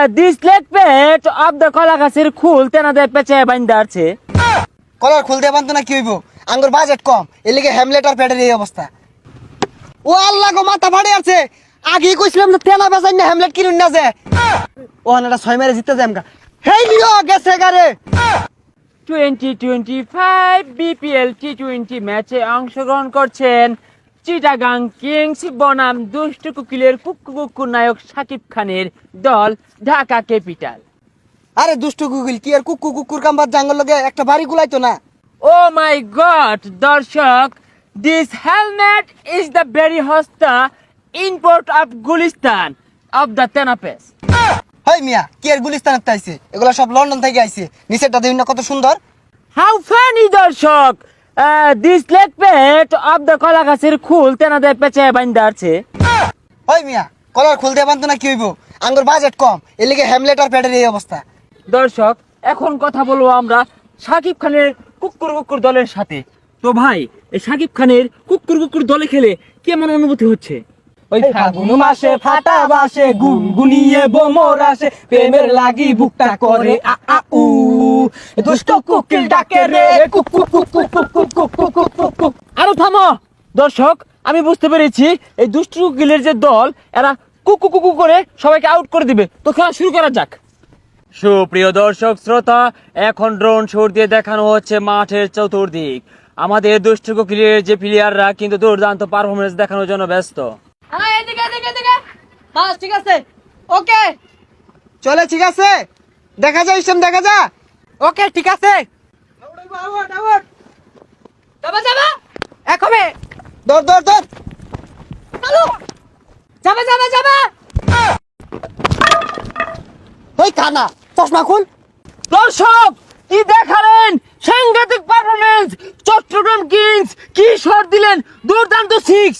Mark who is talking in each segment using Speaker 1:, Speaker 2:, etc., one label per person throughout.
Speaker 1: This leg পেট of the কলা গাছের খুল তেনাদের পেঁচে বাইন্দা আছে।
Speaker 2: কলার খুলতে পারতো না কি হইব, আঙ্গুর বাজেট কম, এর লিগে হ্যামলেট আর প্যাডের এই অবস্থা। ও আল্লাহ গো, মাথা ফাটে আছে। আগেই কইছিলাম না তেনা বেচাই না হ্যামলেট কিনুন না যে। ও এটা 6 মেরে জিততে যাম গা। হেই লিও গেছে গারে।
Speaker 1: 2025 বিপিএল টি20 ম্যাচে অংশগ্রহণ করছেন চিটাগাং কিংস বনাম দুষ্ট কুকিলের কুক্কু নায়ক শাকিব খানের দল ঢাকা ক্যাপিটাল।
Speaker 2: আরে দুষ্টু গুগল কি আর কুকুর কাম্বার জাঙ্গল লগে একটা বাড়ি গুলাইতো না।
Speaker 1: ও মাই গড দর্শক, this helmet is the very হস্তা import of Gulistan of the তেনাপেস।
Speaker 2: হেই মিয়া, কি আর গুলিস্তানের তাইছে, এগুলা সব লন্ডন থেকে আইছে। নিচেরটা দেখুন না কত সুন্দর।
Speaker 1: হাউ ফানি দর্শক, দিস লেগ পেট অফ দ্য কলা গাছের খুল তেনাদের পেঁচে বাইন্দা আছে।
Speaker 2: ওই মিয়া, কলার খুলতে পারতো না কি হইব, আঙ্গুর বাজেট কম, এর লিগে হ্যামলেট আর প্যাডের এই অবস্থা।
Speaker 1: দর্শক, এখন কথা বলবো আমরা শাকিব খানের কুকুর দলের সাথে। তো ভাই, এই শাকিব খানের কুকুর দলে খেলে কেমন অনুভূতি হচ্ছে?
Speaker 3: ওই ফাগুন মাসে ফাটা বাসে গুনগুনিয়ে বোমর আসে, প্রেমের লাগি বুকটা করে আ আ উ, দুষ্ট কুকিল ডাকে রে কুকু কুকু কুকু কুকু কুকু কুকু।
Speaker 1: আরো থামো দর্শক, আমি বুঝতে পেরেছি এই দুষ্টু কুকিলের যে দল, এরা কুকু করে সবাইকে আউট করে দিবে। তো খেলা শুরু করা যাক। সুপ্রিয় দর্শক শ্রোতা, এখন ড্রোন শট দিয়ে দেখানো হচ্ছে মাঠের চতুর্দিক। আমাদের দুষ্টু কুকিলের যে প্লেয়াররা কিন্তু দুর্দান্ত পারফরমেন্স দেখানোর জন্য ব্যস্ত।
Speaker 3: বাস ঠিক আছে, ওকে
Speaker 2: চলে, ঠিক আছে, দেখা যায় ইসম, দেখা যা।
Speaker 3: ওকে ঠিক আছে, যাবা যাবা একবে
Speaker 2: দৌড় দৌড় দৌড়।
Speaker 3: যাবা যাবা যাবা।
Speaker 2: ওই কানা, চশমা খুল।
Speaker 1: দর্শক, কি দেখালেন সাংঘাতিক পারফরমেন্স! চট্টগ্রাম কিংস কি শট দিলেন, দুর্দান্ত 6।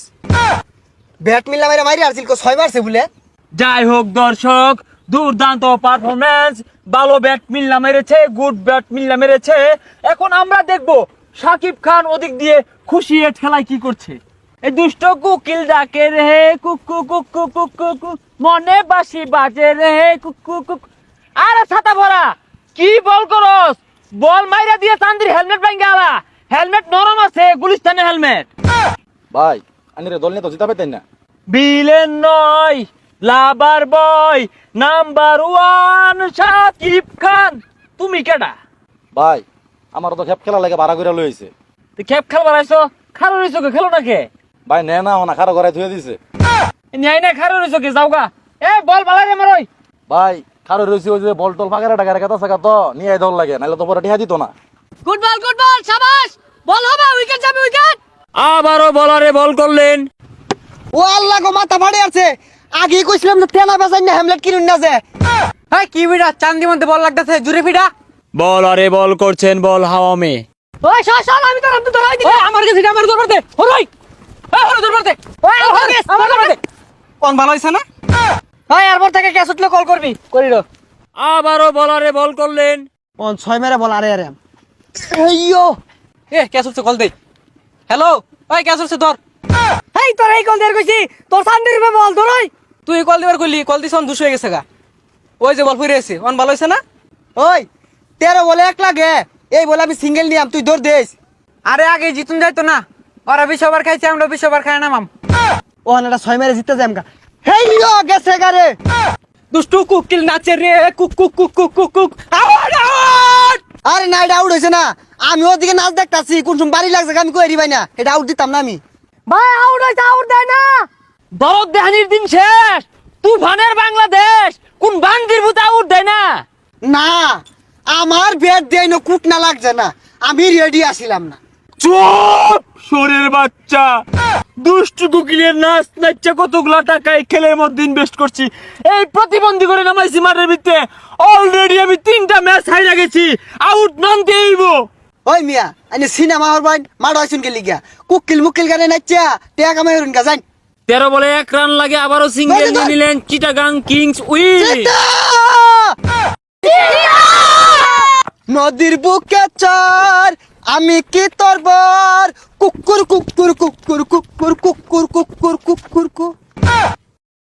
Speaker 2: ব্যাট মিল্লা মেরে মারি আসছিল, 6 মারছে বলে।
Speaker 1: যাই হোক দর্শক, দুর্দান্ত পারফরমেন্স, ভালো ব্যাট মিল্লা মেরেছে, গুড ব্যাট মিল্লা মেরেছে। এখন আমরা দেখব শাকিব খান ওদিক দিয়ে খুশি হয়ে খেলায় কি করছে। এই দুষ্ট কুকিল ডাকে রে কুকু কুকু কুকু কুকু, মনে বাসি বাজে রে কুকু কুকু। আরে ছাতা ভরা, কি বল করস? বল মাইরা দিয়ে চান্দির হেলমেট ভাঙ্গা আলা। হেলমেট নরম আছে, গুলিস্তানের হেলমেট।
Speaker 4: ভাই আনিরে দল নিয়ে তো জিতা পেতেন না।
Speaker 1: বিলেন নয়, লাভার বয় নাম্বার 1 শাকিব খান। তুমি কেডা?
Speaker 4: ভাই আমার তো খেপ খেলা লাগে ভাড়া করে লইছে।
Speaker 1: তুই খেপ খেল বানাইছো, খারো রইছো কে? খেলো না কে?
Speaker 4: ভাই নে না ওনা খারো ঘরে ধুয়ে দিছে।
Speaker 1: ন্যায় না খারো রইছো কে? যাওগা। এ বল বালাই রে মারই।
Speaker 4: ভাই খারো রইছে ওই যে বল টল ফাঁকারে টাকা রেখা থাকা তো নিয়ে দল লাগে, নাহলে তো পরে টিহা দিত না।
Speaker 3: গুড বল শাবাশ, বল হবে, উইকেট যাবে উইকেট।
Speaker 1: আবারও বলারে বল করলেন।
Speaker 2: ও আল্লাহ গো, মাথা ফাটে আছে। আগেই কইছিলাম না তেনা বেচাই না হ্যামলেট কিনুন না যে।
Speaker 3: এই কি বিড়া চান্দি মধ্যে বল লাগতেছে, জুরে ফিডা।
Speaker 1: বলারে বল করছেন, বল হাওয়া মে।
Speaker 3: ওই শাল আমি তো ধরাই দিই। আমার কাছে আমার দরবার দে, হরই হরই দরবার দে। ওই আমার দরবার দে।
Speaker 2: কোন ভালো হইছে না?
Speaker 3: ওই এরপর থেকে ক্যাচ উঠলে কল করবি, করিল।
Speaker 1: আবারও বলারে বল করলেন।
Speaker 2: কোন 6 মেরে বল। আরে আরে এইয়ো,
Speaker 3: এ ক্যাচ উঠছে, কল দে। হ্যালো, ওই ক্যাচ উঠছে ধর। এই তোর এই কল দের কইছি, তোর চান্দির উপরে বল ধরই। তুই কল দিবার কইলি, কল দিছ অন 200 হয়ে গেছে গা। ওই যে বল ফিরে এসে অন ভালো হইছে না?
Speaker 2: ওই 13 বলে 1 লাগে, এই বলে আমি সিঙ্গেল নিয়াম, তুই দৌড় দেস।
Speaker 3: আরে আগে জিতুন যাইতো না, ওরা 20 ওভার খাইছে, আমরা 20 ওভার খাই নামাম।
Speaker 2: ও এটা 6 মেরে জিততে যাম গা। হেই লিও গেছে গারে।
Speaker 3: দুষ্টু কুকিল নাচে রে কুক কুক কুক কুক কুক কুক। Out out.
Speaker 2: আরে না, এটা আউট হইছে না। আমি ওদিকে নাচ দেখতাছি, কোন সময় বাড়ি লাগছে আমি কই ভাই না, এটা আউট দিতাম না আমি।
Speaker 3: ভাই আউট হইছে, আউট দেয় না।
Speaker 1: দরদ দেহানির দিন শেষ, তুফানের বাংলাদেশ কোন বান্দির ভূত আউট দেয় না।
Speaker 2: না, আমার ব্যাট দেয় না, কুট না লাগছে না, আমি রেডি আসিলাম না।
Speaker 1: চুপ শোরের বাচ্চা, দুষ্টু কুকিলের নাচ নাচা কতগুলা টাকা এই খেলের মধ্যে ইনভেস্ট করছি, এই প্রতিবন্ধী করে নামাইছি মাঠের ভিতরে। অলরেডি আমি 3টা ম্যাচ হাইরা গেছি, আউট নন দেইব।
Speaker 2: ওই মিয়া, আনি সিনেমা হর বাইন মাড হইছুন কে লিগা, কুকিল মুকিল গানে নাচা টেকা কামাই হরুন গা যাই।
Speaker 1: 13 বলে 1 রান লাগে, আবারও সিঙ্গেল নিয়ে নিলেন চিটাগাং কিংস উইন।
Speaker 2: নদীর বুকে চর, আমি কি তোর বর, কুকুর কুকুর কুকুর কুকুর কুকুর কুকুর কুকুর কুকুর।